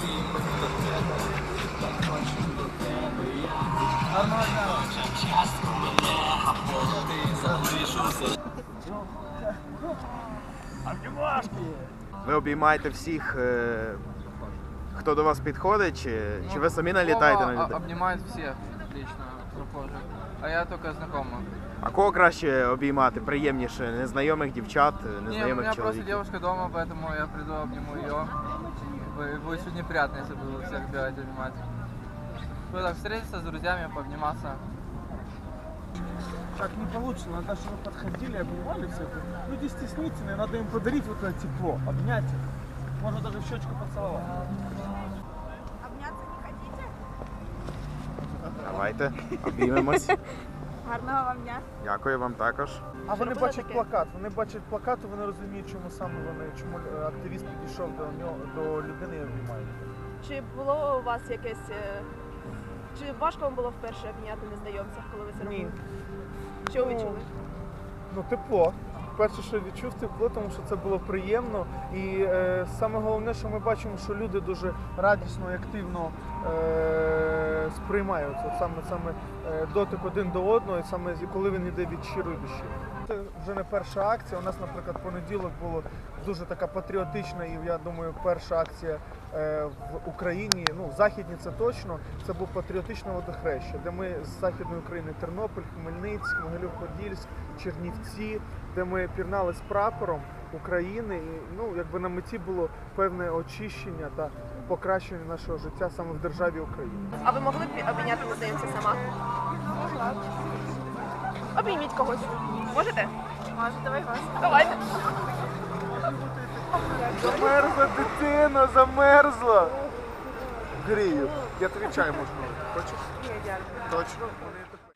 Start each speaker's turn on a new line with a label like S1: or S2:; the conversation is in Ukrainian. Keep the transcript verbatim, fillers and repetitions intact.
S1: Ви обіймаєте всіх, е, хто до вас підходить, чи, чи ви самі налітаєте на людей?
S2: Обнимают всех лично прохожих, а я только знакомых.
S1: А кого краще обіймати? Приємніше? Незнайомих дівчат,
S2: Не, у
S1: незнайомих
S2: меня просто
S1: чоловіків?
S2: девушка дома, поэтому я приду, обниму ее. Будет чуть неприятно, если буду всех бегать обнимать. Ну так, встретиться с друзьями, пообниматься.
S3: Так не получится, надо, чтобы вы подходили, обнимали всех. Люди стеснительные, надо им подарить вот это тепло, обнять их. Можно даже в щечку поцеловать.
S4: Обняться не хотите?
S1: Давайте, обіймемось.
S4: Гарного вам дня.
S1: Дякую вам також.
S3: А вони
S4: робили
S3: бачать
S4: таке?
S3: плакат, вони бачать плакат, і вони розуміють, чому саме вони, чому е, активіст підійшов до нього, до людини і обнімає.
S4: Чи було у вас якесь... е, Чи важко вам було вперше обняти незнайомця, коли ви це
S3: Ні.
S4: робили? Що ви відчули?
S3: Ну, тепло. Перше, що відчув тепло, тому що це було приємно. І е, саме головне, що ми бачимо, що люди дуже радісно і активно е, сприймають от саме, саме е, дотик один до одного, і саме коли він йде від щирої душі. Це вже не перша акція. У нас, наприклад, понеділок було дуже така патріотична і, я думаю, перша акція е, в Україні, ну, в Західній це точно, це був патріотичне водохреща, де ми з Західної України, Тернопіль, Хмельницьк, Могилів-Подільськ, Чернівці, де ми пірнали з прапором України, і, ну, якби на меті було певне очищення та покращення нашого життя саме в державі Україна.
S4: А ви могли б обійняти незнайомця сама? Можна. Обійміть когось. Можете? Можу, давай вас. Давайте.
S3: Замерзла дитина, замерзла. Грію. Я тобі чай можу. Хочеш?
S4: Ні, дякую.
S3: Точно?